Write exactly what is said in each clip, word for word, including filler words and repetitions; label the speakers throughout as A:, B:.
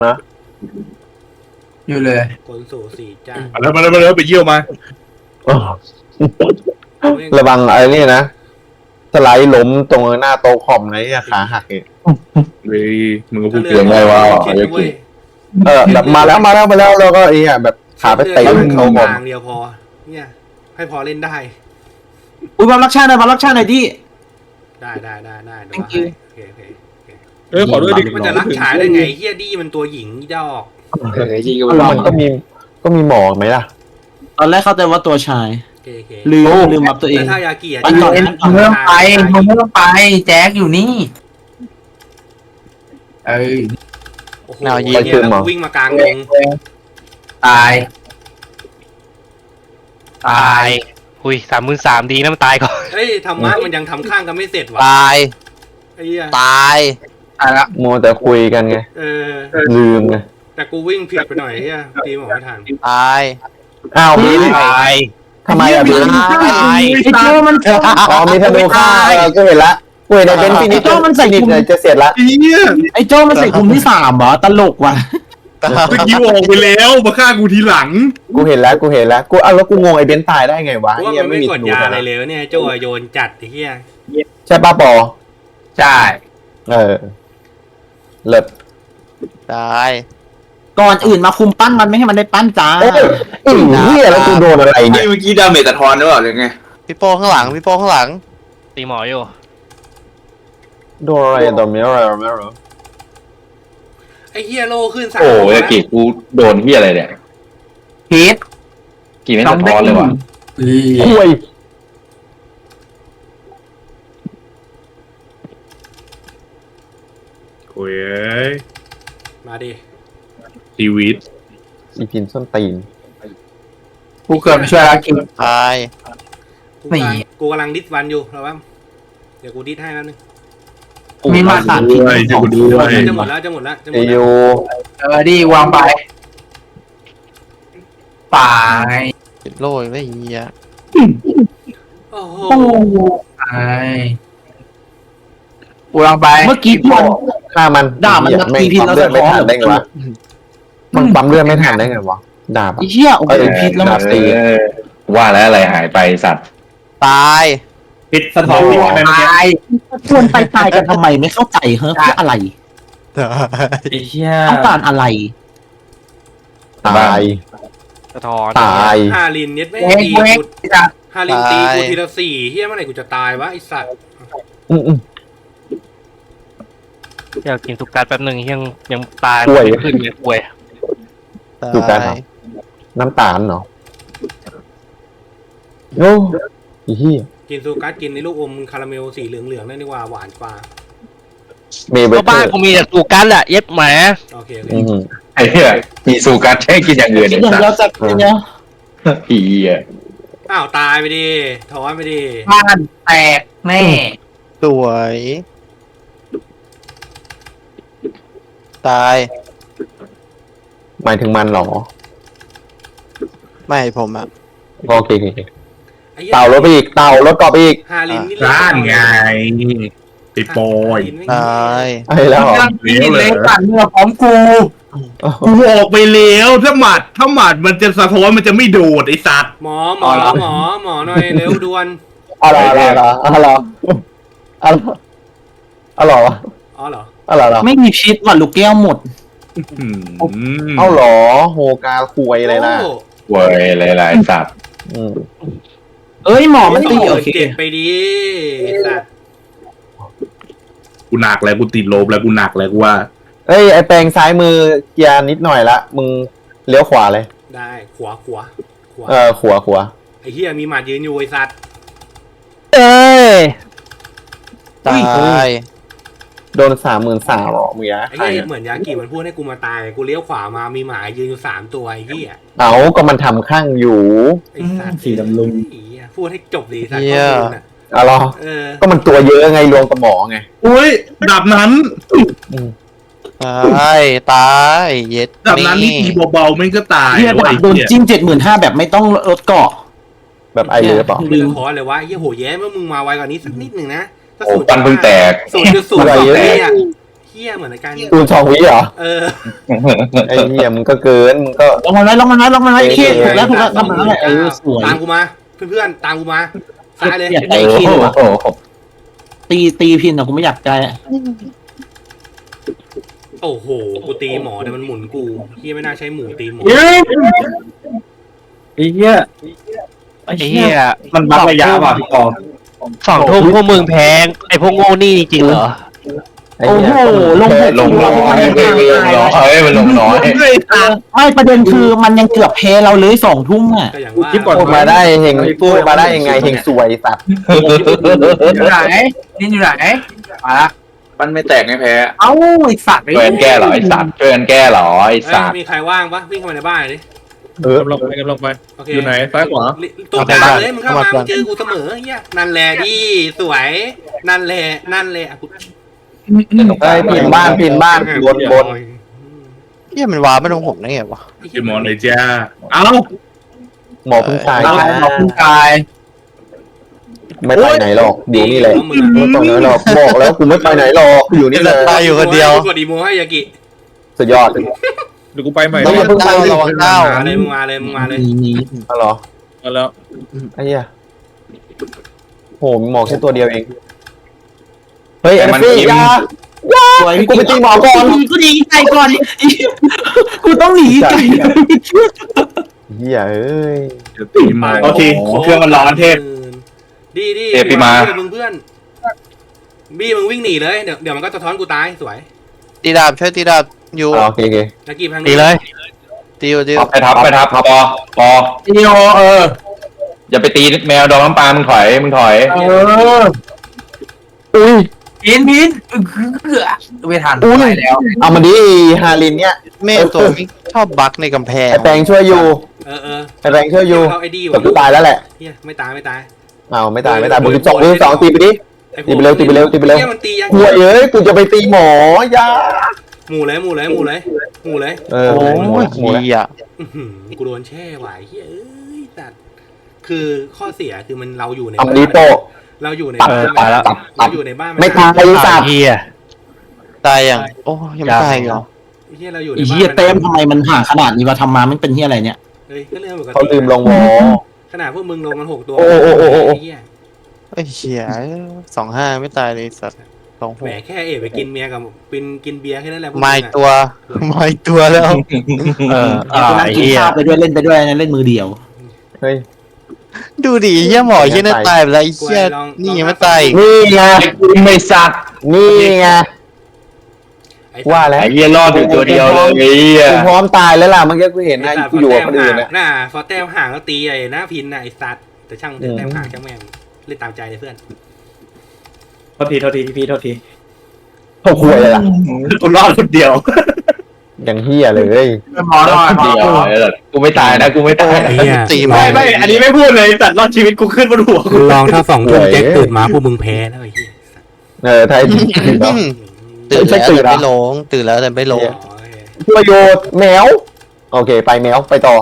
A: นะ
B: อยู่เลย
C: คนสู่สี่จ้า
D: มาแล้วมาแล้วมาแล้วไปเยี่ยวมา
A: ระวังไอ้นี่นะสไลด์ล้มตรงหน้าโต๊ะคอมไหนอะขาหักอีก
D: เฮ้ยมึงก็พูด
E: เสียงไงวะ
C: คิดนะเว้ย
A: เออแบบมาแล้วมาแล้วมาแล้วแล้วก็ไอ้เนี่ยแบบขาไปเตะ
C: เขา
A: เขาคอม
C: ทางเดียวพอ เนี่ย ให้พอเล่นได้
B: อุ้ยบอลรักชาติหน่อยบอลรักชาติหน่อยดิ
C: ได้ได้ได้ได้เดี๋ยว
B: Thank
C: ให้
B: you
C: โอเคโอเคโอเค
D: เออขอด้วยดิ
C: มันจะรักฉายได้ไงเฮียดี้มันตัวหญิงอีดอก
E: เออจริงก็
A: มันก็มีก็มีหมอไหมล่ะ
B: ตอนแรกเข้าใจว่าตัวชาย
C: โอเคโอเค
B: ลืมลืมอัพตัวเอง
C: แต่ถ้ายากิอ่ะ
B: มันก่อน
C: จะ
B: เริ่มไป
C: มัน
B: เริ่มไปแจ็คอยู่นี่เออ
C: โอ้โหเนี่ยแล้วกูวิ่งมากลางวง
B: ตายตาย
F: หุยสามหมื่นสามดีนะมันตายก่อน
C: เฮ้ยธรรมะมันยังทำข้างกันไม่เสร็จว่ะ
G: ตาย
C: ไอ้เหี้ย
G: ตาย
B: ตายละ
A: มัวแต่คุยกันไง
C: เออ
A: ลืมไง
C: แต่กูวิ่งผิดไปหน่อยเฮียตีหมอไม่ทัน
G: ตาย
A: อ้าวมี
F: ตาย
A: ทำไมอ่ะพี่
G: ตาย
B: ไอ้โจ้มัน
A: อ๋อมีธนูฆ่าเออก็เห็นละกูเห็นในเป็นฟินิช
B: ไอ้โจ้มันใส่
A: ฟินิช
B: กุม
A: เลยจะเสร็จละ
D: เฮีย
B: ไอ้โจ้มันใส่กลุ่มที่สามเหรอตลกว่ะ
D: เมื่อกี้ออกไปแล้วมาฆ่ากูทีหลัง
A: กูเห็นแล้วกูเห็นแล้วกูเอาแล้วกูงงไอ้เบนซ์ตายได้ไงวะ
C: กูว่า
A: เฮีย
C: มัน
A: ไม่
C: ไม่
A: มี
C: ก
A: ธ
C: ด
A: นู
C: ยา
A: นะ
C: อะไรเลยเนี่ยโจ้โยนจัดไอ้เฮีย
A: ใช่ป้าปอ
B: ใช่
A: เออเลิศ
G: ตาย
B: ก่อนอื่นมาคุมปั้นมันไม่ให้มันได้ปั้นจ้า
A: เอ้ยไอ้เฮียแล้วกูโดนอะไรเนี่ย
E: เมื่อกี้ดาเมจตะทอนหรือเปล่าหรือไง
G: พี่โป้ข้างหลังพี่โป้ข้างหลัง
F: ตีหมออยู่
A: โดนอะไรโดนเมียอะไรไม่รู้
C: ไอ้เฮียโลขึ้นสาม
E: โอ้ย
C: แล้ว
E: กีกูโดนที่อะไรเนี่ย
B: พีท
E: กีไม่สะท้อนเลยว่ะ
A: คุย
D: โอ้ยเอ้ย
C: มาดิ
D: ชีวิต
A: อีพินส้นตีน
B: กูเกิดมาช่วยแล้วกิน
G: ตาย
C: กูกำลัง
B: นี่
C: กูกำลังดิสวันอยู่แล้วว่าเดี๋ยวกูดิสให้แป๊บนึง
B: มีมาสานพิษ
D: ด้วยช่วยกูด้วย
C: จะหมดแล้วจะหมดแล้วจะหม
A: เอ
C: ดแล้
A: ยู
C: ว
B: เออดีวางไปป่าย
G: ติดโล่ยังไม่เหี้ย
C: โอ้โห
B: ตายวางไปเมื่อกี้มัน
A: ฆ่ามัน
B: ด่ามัน
A: เหี้ย
B: มาตีพินแล้ว
A: ปั๊มเลือดไม่
B: สะท้อน
A: ทันได้ไงวะมันปั๊มเลือดไม่ทันได้ไงวะด่าปะ
B: ไอ้เหี้ยโอ้โหพิษแล้วมาตี
E: เออว่าแล้วอะไรหายไปสัตว์
G: ตาย
D: พิษสะท้อน
B: ตายชวนไปตายกันทำไมไม่เข้าใจเฮ้ยเพื่ออะไร
G: ตาย
B: ไอ้เหี้ยต้องการอะไร
A: ตาย
F: สะท้อน
A: ตาย
C: ฮารินเนี่ยไม่
B: เว้ย
C: ตี
B: เว้ย
C: กูฮารินตีกูทีละสี่เฮียเมื่อไหร่กูจะตายวะไอสัตว์
A: อืมอืม
F: อยากกินสุกัดแป๊บหนึ่งยังยังตาย
A: ป่วย
F: ไม่ขึ้นเลยป่วย
A: ดูกัน
G: ตา
A: เหรอ
G: ย
A: น้ำตาลเนาะโอ้อีเหี้ย
C: กินซูกัสกินในลูกอมคาราเมลสีเหลืองๆนั่นดีกว่าหวานกว่า
A: เมย์เบ
F: ก็
A: เตอ
F: บ้าน
A: ร์
F: กูมีแต่สุกัดแหละเย็บแหม
C: โอเคโอเค
A: อืม
E: ไอ้เหี้ยมีสูกัดใช้กินอย่างอื่น
B: คิด
E: เนี่ย
B: อย่าง
E: สัต
B: เดียว
E: ว์
B: จะกินเนาะ
E: ผีอ่ะ
C: อ้าวตายไปดิถอนไปดิ
B: บ้านแตกแน่
G: สวยตาย
A: หมายถึงมันเหรอ
G: ไม่ผมอ่ะ
A: โอเคโอเค
C: ไอ้หี้ย
A: เต่ารถไปอีกเต่ารถกรอบไปอีก
C: ฮารินนี่
D: ร้านไงไปปอย
G: ตาย
A: ไอ้แล้วเหรอ
B: กินเลยปั่นเมื่อพร้อมกู
D: กูออกไปแล้วถ้าหมัดถ้าหมัดมันจะสะท้อนมันจะไม่โดดไอ้สัตว์
C: หมอหมอหมอหมอหน่อยเร็วด่วน
A: อะไรอะไรอะไรอะไรอะไรอะไรวะ
C: อ๋อเหรอ
A: อะไรอะไร
B: ไม่มีพิษว่ะลูกแก้วหมด
D: อืม
A: เอาเหรอโฮกาคุยเลยนะ
C: โอ้
E: เว้ยหลายๆสัตว์
A: อืม
B: เอ้ยหมอมันตี
C: โอ้
B: โอเค
C: เจ็บไปดิไอ้สัตว์
D: กูหนักแล้วกูติดลบแล้วกูหนักแล้วกูว่า
A: เอ้ยไอแปลงซ้ายมือเกียร์นิดหน่อยละมึงเลี้ยวขวาเลย
C: ได้ขวาขวาขวา
A: เออขวาขวา
C: ไอ้เหี้ยมีหมัดยืนอยู่ไอ้สัตว์
F: เอ้ย
G: ตาย
A: โดนสามหมื่นสามหรอมึงยะ
C: ไอ้เหี้ยเหมือนยากิมันพูดให้กูมาตายกูเลี้ยวขวามามีหมายืนอยู่สามตัวไอ้เหี้ย
A: เอาก็มันทำข้างอยู่
C: ไอ้สัตว์สีดำลุงไอ้เหี้ยพูดให้จบดีสัตว์
G: เหี้ย
C: ข้อมูลน่ะ
A: เอาเหรอ
C: เออ
A: ก็มันตัวเยอะไงรวมกับหมอไง
D: อุ้ยดับนั้น
A: อืม
G: ตายตายเย็ด
D: ดับนั้นนี่ตีเบาๆมันก็ตาย
B: เฮีย
D: ว้
B: ดับโดน
D: เหี้ย
B: จิ้มเจ็ดหมื่นห้าแบบไม่ต้องลดเกาะ
A: แบบไอเลือเปล่า
C: ไม่ต้องขอเลยวะไอ้เหี้ยโหแย้เมื่อมึงมาไวกว่านี้สักนิดหนึ่งนะถ้า
E: โอ้
C: ศูนย์
E: ปันเพิ่งแตก
C: ศูนย์จุดศูนย์สองเนี่ยเฮี้ยเหมือนในการ
A: คูณสองวิเหรอ
C: เออ
A: ไอ้เหี้ยมึงก็เกินมึงก็
B: ลงมาไหมลงมาไหมลงมาไหมเคถูกแล้วถูกแล้วทำมาแล้วเออสวย
C: ตามกูมาเพื่อนๆตามกูมาซ้ายเลย
B: อยากได้
E: โอ้
B: คิวอะ
E: โห
B: ตีตีพินอะกูไม่อยากใจอะ
C: โอ้โหกูตีหมอแต่มันหมุนกูเฮียไม่น่าใช้หมูตีหมอ
D: ไอ้เหี้ย
F: ไอ้เหี้ย
D: มันบักระยะว่ะพี่กอง
F: สองทุ่มพวกมึงแพงไอ้พวกโง่นี่จริงเหรอ
A: ไอ้
B: โอ้
A: เหี้
B: โห
A: ย
B: ลง
E: ลงน้อยเฮ้ยมันลงน้อย
B: ไม่ประเด็นคือมันยังเกือบเพเราเลยสองทุ่มอ่ะ
C: ก็อย่างว่า
A: พูดมาได้เฮงพูดมาได้ยังไงเฮงสวยสัตว์
D: อยู่ไหนนี่อยู่ไหนมาละ
E: มันไม่แตกไม่แพ้
D: เอ้าไอ้สัตว์
E: ช่วยกันแก้เหรอไอ้สัตว์ช่วยกันแก้เหรอไอ้
C: เอ้ย
E: สัตว์
C: มีใครว่างปะวิ่งเข้ามาในบ้านดิ
A: เออ
D: กำลังไปกำลังไป
C: โอเค
D: อยู่ไหนซ้ายขวา
C: ตัวกลางเลยมึงเข้ามามึงเจอกูเสมอเฮียนั่นแหละดิสวยนั่นแหละนั่นแหละอ่ะกู
A: ไอ้พินบ้านพินบ้านบนบน
G: เหี้ยมันว้าไม่ลงผมได้ไงวะ
D: พี่หมอเลยจ้าเอ้า
A: หมอพึ่งตาย
D: เอาเอาคุณกาย
A: ไม่ไปไหนหรอกอยู่นี่แหละไม่ไปไหนหรอกบอกแล้วกูไม่ไปไหนหรอกอยู่นี่แหละ
G: ตายอยู่คนเดียว
C: กดอีโมให้ยากิ
A: สุดยอด
D: เดี๋ยวกูไปใหม่
A: ต้องอย่าเพิ่งไป
G: ระวังเต้า
C: มาเลยมึงมาเลยมึงมาเลย
B: มีมี
A: เอาเหรอ
D: เอาแล้ว
A: ไอ้เหี้ยโหมีหมอแค่ตัวเดียวเองเฮ้ยเอฟซี่ยา
B: สวย
A: กูไปตีหมอก่อน
B: กูหนีไก่ก่อนกูต้องหนีไก่
A: เหี้ยเอ้ย
D: เดี๋ยวตีมาโอเคเครื่องมันร้อนเทพ
C: ดีดี
E: เทพพี่มา
C: มึงเพื่อนบี้มึงวิ่งหนีเลยเดี๋ยวเดี๋ยวมันก็สะท้อนกูตายสวย
G: ตีดาบช่วยตีดาบอยู่
A: อ๋อโอเคโอเค
C: ยากิพัง
F: ตีเลย
G: ตีอยู่ตีอยู่
E: ไปทับไปทับพอพอ
D: อีโอเออ
E: อย่าไปตีแมวดองน้ำปลามึงถอยมึงถอย
D: เออ
A: อุ้ย
D: พินพินไม่ทัน
A: อุ้ย
D: ไปแล้ว
A: เอามาดิฮารินเนี่ย
G: แม่ตัวนี้ชอบบักในกำแพง
A: ไอแปงช่วยอยู่
C: เออเออ
A: ไอแปงช่วยอยู่
C: เขาไอ้ดี
A: แต่
C: ว่ะ
A: กูตายแล้วแหละ
C: เฮียไม่ตายไม่ตาย
A: เอาไม่ตายไม่ตายบวกสิบสองบวกสิบสองตีไปดิ
C: อ้
A: ตีไปเร็วตีไปเร็วตีไปเร็ว
C: ฮียมันตียัง
A: หัวเอ้ยกูจะไปตีหมอยา
C: หมู่เลยหมู่เลยหมู่เลยหมู่เลย
A: เออ
G: โอ้
A: หมู
G: ย
A: หมูแล้ว
G: เหี้ย
C: อื้อหือกูโดนแช่ไหวเฮ้ยเอ้ยแต่คือข้อเสียคือมันเราอยู่ใน
A: เอามาดิโต
C: เราอยู่ใน
A: ตัด
C: บ้าน
A: ตายแล้วตัดตั
C: เรา
A: ด
C: อยู่ในบ้าน
A: ไม่ตายไอ้สัตว์
F: เหี้ย
G: ตายยังโอ้ยังไม่ตายเหรอ
C: เฮียเราอยู่ใน
B: ไอ้
C: บ้าน
B: เหี้ยเต็มทำไมมันห่างขนาดนี้วะทำมามันเป็นเหี้ยอะไรเนี่ย
C: เฮ้ยก็เรื่องปกติ
A: เขาลืมลงวอ
C: ขนาดพวกมึงลงกันหกตัว
A: โอ้โอ้โอ้โอ้โอ้
C: ไเหี้ย
G: ไอ้เหี้ยสองห้าไม่ตายเลยสัตว์สองห
C: แหม
G: ก
C: แค่เอ๋ไปกินเมียกับกินกินเบียร์แค่นั้นแหละพวก
G: มา
C: มึ
G: อี
C: ง
G: ก
C: อะ
G: ตัวมาอีกตัวแล้ว
F: เออ
B: กูนั่งกินข้าวไปด้วยเล่นไปด้วยนะเล่นมือเดียว
A: เฮ้ย
G: ดูดิเหี้ยหมอเหี้ยน่าตายไปแล้วไอ้เหี้ยนี่ยังไม่ตายอีก
A: นี่ไง
E: ไม่สัตว์
A: นี่ไง
C: ไอ้
A: ว่าแล้ว
E: ไอ้เหี้ยรอดอยู่ตัวเดียวเลยไอ้เหี้ย
A: กูพร้อมตายแล้วล่ะเมื่อกี้กูเห็น
C: ไอ้
A: นะ
C: สัตว์
A: กูอยู่กับคนอื่น
C: ห่า
A: นะ
C: งน่ะพอแต้มห่างก็ตีไอ้หน้าพินน่ะไอ้สัตว์แต่ช่าง
A: อืม
C: แต้มห่างช่างแม่งเล่นตามใจเลยเพื่อน
D: โทษทีโทษทีพี่โทษที
A: เขาคุยเลยล่ะ
D: กูรอดคนเดียว
A: อย่างเฮียเลย
D: หมอรอด
E: เดียวไอ้สัตว์กูไม่ตายนะกูไม่ตาย
C: ไอ้เหี้ย
G: ตี
D: ไม่ไม่อันนี้ไม่พูดเลยแต่รอดชีวิตกูขึ้นบนหัวกู
C: ลองถ้าสองทุ่มแจ็คตื่นมาพวกมึงแพ้แล้วไอ้เหี้ย
A: เออไทย
G: ตื่นแล้ว
A: ใช่ตื่นเหรอ
G: แต่ไม่ลงตื่นแล้วแต่ไม่ลง
C: อ๋อโอเค
A: ประโยชน์แมว โอเค ไปแมวไปต่อ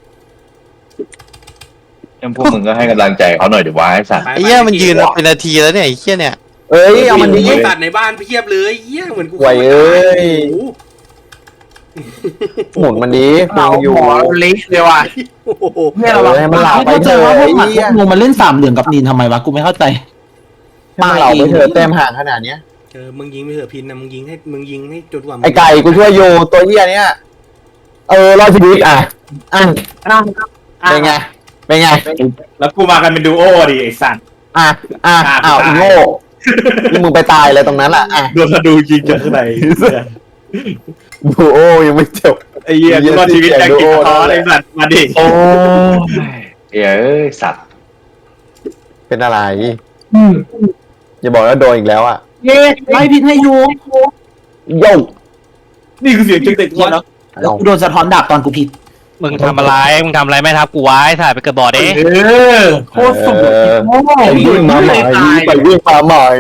E: ยังพวกมึงก็ให้กำลังใจเขาหน่อยดิวะไอ้สัตว์
C: ไป
G: ไอ้เหี้ยมันยืนมาเป็นนาทีแล้วเนี่ยไอ้เหี้ยเนี่ย
A: เอ้ยเอามันดี
C: ไอ้สัตว์ในบ้านเพียบเลยเหี้ยเหมือนกู
A: ไหวเอ้ย
C: โอ้โห
A: หมุนมันดีฟังอยู่
D: หมอเล็กเลยว่ะ
C: โอ้โห
A: เออให้มันเหล่าไป
B: ไม่
A: เถ
B: เข้าใจ
A: อะ
B: ว่าพว
A: ไอ้
B: กหมัดพ
A: เหี้
B: วย กงูมันเล่นสามเหลี่ยมกับนีนทำไมวะกูไม่เข้าใจ
A: ให้มันเหล่าไปเถอะแต้มห่างขนาดเนี้ย
C: เออมึงยิงไปเถอะพินนะมึงยิงให้มึงยิงให้จนกว่ามึง
A: ไอไก่กูช่วยอยู่ตัวเหี้ยเนี้ยเออรอดชีวิตอ่ะอ่ะเป็นไงเป็นไง
D: แล้วกูมากันเป็นดูโอดิไอ้สัตว์
A: อ่ะอ่ะอ้าวอีโง่นี่มึงไปตายเลยตรงนั้นล่ะอ่ะ
D: โดนธนูยิงจากข้างใน
A: ดูโอ้ยังไม่จบ
D: ไอ้เหี้ยกูรอดชีวิตจากกินท้อไอ้สัตว์มาดิ
A: โอ้
E: เอ้ยสัตว์
A: เป็นอะไรอย่าบอกว่าโดนอีกแล้วอ่ะ
B: เย้ไล่พินให้อยู่
A: โย่
D: นี่คือเสียงจึงเด็ก
B: เหี้ย
D: วะ
B: แล้วแล้วกูโดนสะท้อนดาบตอนกูผิด
F: มึงทำอะไรมึงทำอะไรไม่ทับกูไว้ถ่ายไปเกิดบอดเด้
D: เออโคตรสุด
A: เออ
D: โอ้โห
A: ไปวิ่งมาใหม่ไปวิ่งมาใหม่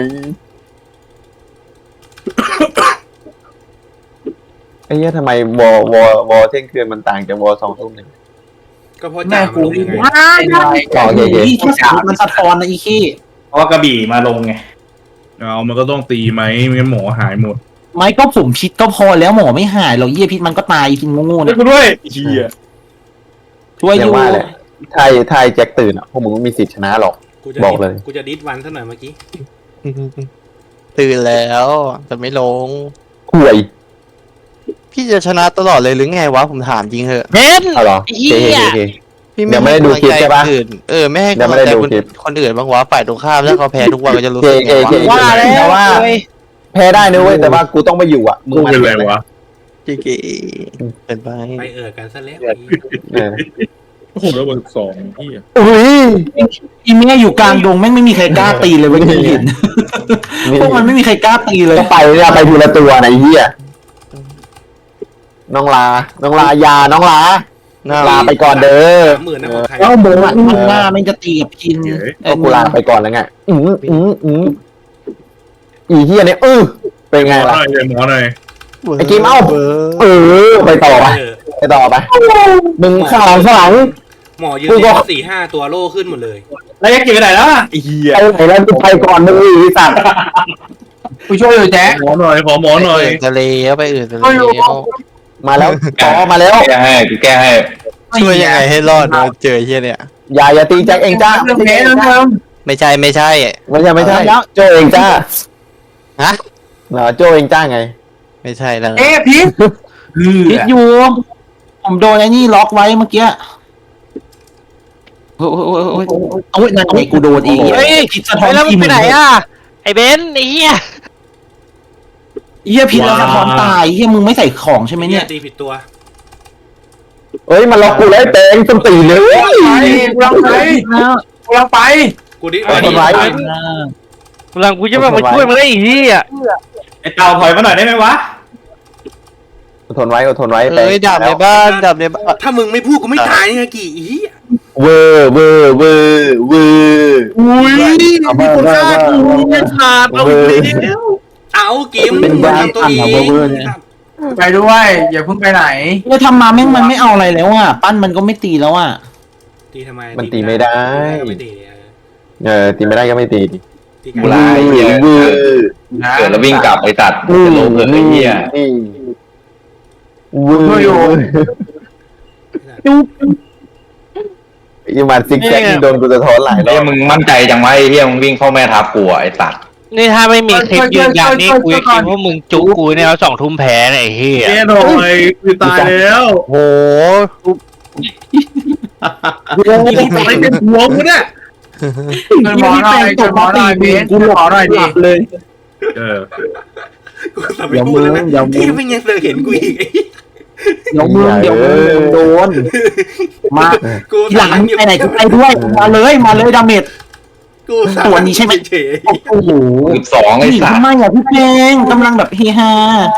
A: ไอ้เหี้ยทำไมวอวอวอเที่ยงคืนมันต่างจากวอสองทุ่มเนี่ย
C: ก็เพราะจ่ามันลงยังไง
A: ต่อเย่
B: อีแค่สามมันสะท้อนนะอีขี้
D: เพราะว่ากระบี่มาลงไงเอามันก็ต้องตีไหมไม่งั้นหมอหายหมด
B: ไม่ก็ผมพิษก็พอแล้วหมอไม่หายหรอกเหี้ยพิษมันก็ตายพิษโง่ๆ
D: ช่วย
B: เนี่ย
D: กูด้วยเฮีย
B: ช่วยอ
A: อย่า
B: ยู่
A: ว่าเลยถ้าถ้าไอ้แจ็คตื่นอ่ะพวกมึงไม่มีสิทธิ์ชนะหรอก
C: กูจะ
A: บอกเลย
C: กูจะดิสวันซะหน่อยเมื่อกี้
G: ตื่นแล้วแต่ไม่ลง
A: ห่วย
G: พี่จะชนะตลอดเลยหรือไงวะผมถามจริงเหอะ
F: เบน
A: เอาเหรอ
F: เหี้
A: โอเค
F: ย
A: โอเค
G: พี่
A: เดี๋ยวไม่ได้ดูคลิปใช่ปะ
G: กำลังใจคนอื่นเออไม่ให้
A: เดี๋ยว
G: กำ
A: ไม่
G: ลัง
A: ได้
G: ใจ
A: ดู
G: คน
A: คลิป
G: คนอื่นบ้างวะฝ่ายตรงข้ามแล้วเขาแพ้ทุกวันก็จะรู้
A: เค
G: สึก
A: เค
G: ไง
A: เคว
G: ะ
F: ว่าแล้ว
A: แต่ว่า
F: เว้ย
A: แพ้ได้นะเว้ยแต่ว่ากูต้องไปอยู่อ่ะมึง
D: กู
A: มา
D: เป็นไรวะ
G: เก๋ๆเป็นไป
C: ไปเอิดกันซะแล้ว
A: เออ
D: โอ้โหแล้วเบอร์สองพี่
A: อุ้ย
B: อีเมียอยู่กลางดงแม่งไม่มีใครกล้าตีเลยเว้ยกูเห็นพวกมันไม่มีใครกล้าตีเลย
A: ก็ไปเนี่ยไปทีละตัวไหนะไอ้เหี้ยน้องลา น้องลายา น้องลา
G: น่า
A: ลาไปก่อนเด้อ
C: สามหมื่นนะของใคร
B: เอ้าโบมันมันหน้าไม่จะตีกับพิน
A: ก็กูลาไปก่อนแล้วไง อืมอืมอืมอีเหี้ยเนี่ยเออเป็นไง
D: หมอห
A: ล่ะ
D: น่อยเดี๋ยวหมอหน่อย
A: ไอ้กิมเอ้า เออ ไปต่อไป
C: เออ
A: ไปต่อไปมึงข้างหลังข้างหลัง
C: หมอยืน
A: กูก็
C: สี่ห้าตัวโล่ขึ้นหมดเลย
D: แล้วยังเก็บไปไหนแล้วไอ้เฮีย
A: ไปไหนแล้วกูไปก่อนมึงอีกสัตว์
B: กูช่วยอยู่แจ๊ค
D: หมอหน่อยขอหมอหน่อย
G: ทะเลแล้วไปอื่นทะเล
A: มาแล้วต่อมาแล้ว
E: แก้ให้กูแก้ให้
G: ช่วยยังไงให้รอดวะเจอเฮียเนี่ย
A: อย่าอย่าตีแจ็คเองจ้า
B: เรื่องแพ้เรื่องเดิม
G: ไม่ใช่ไม่ใช่
A: ไม่ใช่ไม่ใช่โจเองจ้า
G: ฮะ
A: เหรอโจเองจ้าไง
G: ไม่ใช่แล้ว
B: เอ๊ะพิษพิษอยู่ผมโดนไอ้นี่ล็อกไว้เมื่อกี้โอ้ยโอ้ยโอ้ยโอ้ยนั่นไงกูโดนอีก
F: เฮ้ย
B: พิษสะท้อ
F: เฮ้
B: น
F: ยแล้วมึง
B: ที
F: ไป
B: ม
F: ไหนอ่ะไอ้เบนไอ้เหี้ย
B: เหี้ยพิษแล้วสะท้อนตายเหี้ยมึงไม่ใส่ของใช่ไหมเนี่ย
C: ตีผิดตัว
A: เอ้ยมันล็อกกูแล้วเตงต้นตีเลย
B: กูรังไปกูรังไป
C: กูดิ
A: เอาทำร้าย
F: หลังกูจะมาช่วยมึงได้อีกที่อ่ะ
D: ไอ้เต่าถอยมาหน่อยได้ไหมวะ
A: อดทนไว้อดทนไว้เต
G: เอ้ยดับในบ้านดับในบ้าน
C: ถ้ามึงไม่พูดกูไม่ตายไงกี่อี
A: เวอร์เวอร์เวอร์เวอร์
D: อุ้ยมีคนฆ่ากูไม่ขาดเอาอีกแล้ว
C: เอากิมทำตัวเอง
H: ไปด้วยอย่าเพิ่งไปไหน
B: แล้วทำมาแม่งมันไม่เอาอะไรแล้วอ่ะปั้นมันก็ไม่ตีแล้วอ่ะ
C: ตีทำไม
A: มันตีไม่ได้
C: ไม่ตี
A: เออตีไม่ได้ก็ไม่ตีดิ
C: ตี
E: กูลาไอ้เหี้ย
A: เวอร์
E: เกิดแล้ววิ่งกลับไอ้ตัด
A: นี่
E: จะลงเลยไอ้เหี้ย
A: นี่เวอร์ยังมาซิกแซกโดนกูจะท้อนหลายรอ
E: เฮ้ย
A: บ
E: มึงมั่นใจจังวะไอ้เหี้ยมึงวิ่งเข้าแม่ทับกูอะไอ้ตัด
F: นี่ถ้าไม่มีคลิปยืนยันนี่กูจะคิดว่ามึงจุกกูเนี่ยเอาสองทุ่มแพ้เนี่ยไอ้เหี้ย
D: แก้หน่อยกูตายแล้ว
G: โห
D: กูตายเป็นหัวกูเนี่ย
H: ช่วยหมอหน่อยช่วยหมอหน่อยเบนช่วยหมอหน่อยดิ
B: เลย
D: เออ
C: กูสไม่พูดแล้วนะที่ไม่ยังเสือเห็นกูอีก
B: เดี๋ยวมึงเดี๋ยวมึงโดนมา
C: กู
B: ทีหลังไปไหนก็ไปด้วยมาเลยมาเลยดาเมจ
C: กู
B: ตัวนี้ใช่ไหม
C: เฉย
B: โอ้โห
E: สิบสองไอ้
B: นี่
E: สัต
B: ทำ
E: ว์
B: ไมอ่ะพี่เพลงกำลังแบบเฮฮา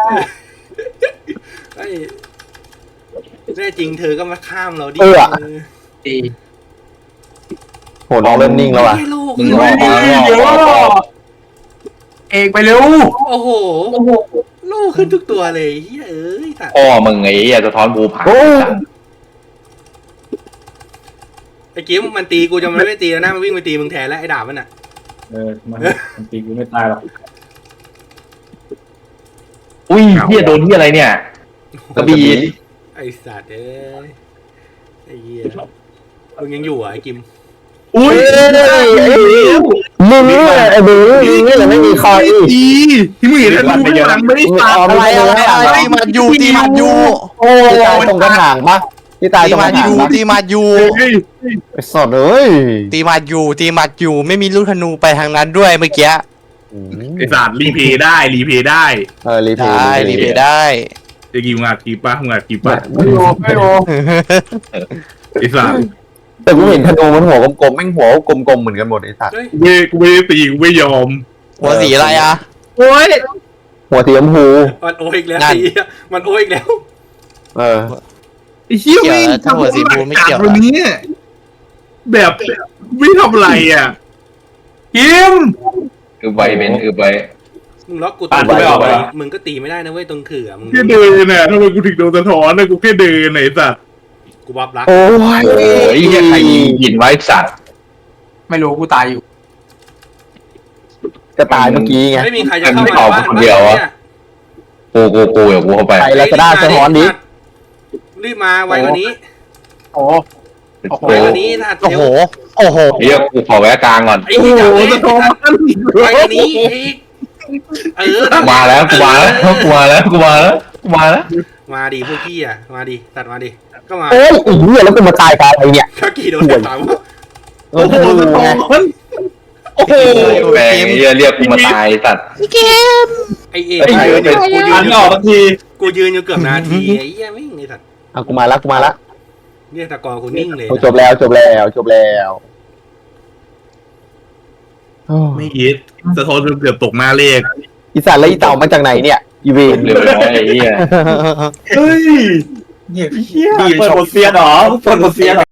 C: ไอ้แน่จริงเธอก็มาข้ามเราดิ
H: ดี
A: โหน้องเริ่มนิ่งแล้วอ่ะ
C: ลูก
E: มึงรอรอรอรอ
H: เอกไปเร็ว
C: โอ้โหลูกขึ้นทุกตัวเลยเฮ้ยเอ้ยสัตว์
E: พ่อมึงไอ้เหี้ยสะท้อนภูผา
A: โอ้
C: ไอ้กิ้มมันตีกูจะมันไม่ตีแล้วนะมันวิ่งไปตีมึงแทนแล้วไอ้ดาบมันอ่ะ
D: เออมันมันตีกูไม่ตายหรอก
E: อุ้ยเหี้ยโดนเหี้ยอะไรเนี่ยกระบี่
C: ไอ้สัตว์เอ้ยไอ้เหี้ยมึงยังอยู่อ่ะไอ้กิม
D: อุ้ย
A: มึงไอ้บึ้งนี่แหละไม่มีคออีก
D: ดีที่มึงเห็นมันไม่ยังไม่ได้ตาย
G: อะไรอะไรอะไรตีมาอยู่ตีมาอยู่
A: โอ้ตายตรงกระถางปะที่ตาย
G: ตี
A: ตรงก
G: มา
A: ระ
G: อ
A: ถาง
G: ยู่
A: ปะ
G: ตีมาอยู่
A: ไอ้สดเอ้ย
G: ตีมาอยู่ตีมาอยู่ไม่มีลูกธนูไปทางนั้นด้วยเมื่อกี้
D: ไอ้สัตว์รีเพย์ได้รีเพย์ได้
A: เออรีเพ
G: ได้
A: ย์
G: รีเพย์ได้
D: จะกี่งานกี่ป้างานกี่ป้า
H: ไม่รู้ไม่รู้
D: ไอ้สัตว์
A: แต่กูเห็นธนูมันหัวกลมๆแม่งหัวกลมๆเหมือนกันหมดไอ้สัตว์
C: เฮ้ย
D: เว้ยกูไม่ได้ตีกูไม่ยอม
G: หัวสีอะไรอ่ะ
D: โอ้ย
A: หัวสีชมพู
C: มันโอ้อีกแล้ว
G: นั่น
C: ไอ้เหี้ยมันโอ้อีกแล้ว
A: เออ
D: ไอ้เหี้ยวิ่งทำวันนี้แบบไม่ทำอะไรอ่ะ
H: คิม
E: คือใบเป็นคือใบ
C: มึงล็อกกู
D: ตั
C: ตี
D: ดไม่ออก
C: ไป
D: เหรอ
C: มึงก็ตีไม่ได้นะเว้ยตรงขื่อมึง
D: แค่เดินน่ะทำไมกูถึงโดนสะท้อนนะกูแค่เดินไหนสัตว์
C: กูบับรัก
A: โอ้ย
E: โอ้ยเหี้ยใครยิงหินไว้สัตว์
H: ไม่รู้กูตายอยู่
A: จะตายเมื่อกี้ไง
C: ไม่มีใครจะเข้ามา
E: เอา
C: บ้าน
E: คนเดียวอะ
C: เนี่ย
E: กูกูกูเดี๋ยวกูเข้าไป
A: ไปแล้วจะได้สะท้อนดิ
C: รีบมาไวกว่านี้
H: โอ้
C: ไวกว่านี้ถ้า
G: โอ้
C: เร็ว
G: โหโอ้โห
E: เฮียกูขอแวะกลางก่อน
C: ไอ้ที่จะเล่น
D: สะท้อน
C: ไวกว่านี้อีกเออ
E: มาแล้วกูมาแล้วกูมาแล้วกูมาแล้วกูมาแล้ว
C: มาดิพวกพี่อ่ะมาดิตัดมาดิก็มา
A: เอ้ยไอ้เหี้ยแล้วกูมาตายกับอะไรเนี่ย
C: ถ้ากี่โดนสาม
A: โอ้โห
D: สะท้อน
A: โอ้โห
E: แม่งเฮียเรียกกูมาตายสัตว์
C: ไอเอ
E: ไอ้เหี้ย
C: กูยื
B: อั
C: น
B: นออกทันที
C: กูยืนอยู่เกือบนาทีไอ้เหี้ยไม่งไอ้สัตว์
A: อ่ะกูมาละกูมาละ
C: เนี่ยตะกอกูนิ่งเลย
A: จบแล้วจบแล้วจบแล้ว
D: ไม่ยิดสะท้อนจนเกือบตกหน้าเลข
A: อีสัตว์แล้วอีเต่ามาจากไหนเนี่ยอีเวน
E: เร็วน้อยไอ้เฮีย
B: เฮ้ยเฮียเปิดบทเซียนเหรอเปิดบทเซียนเหรอ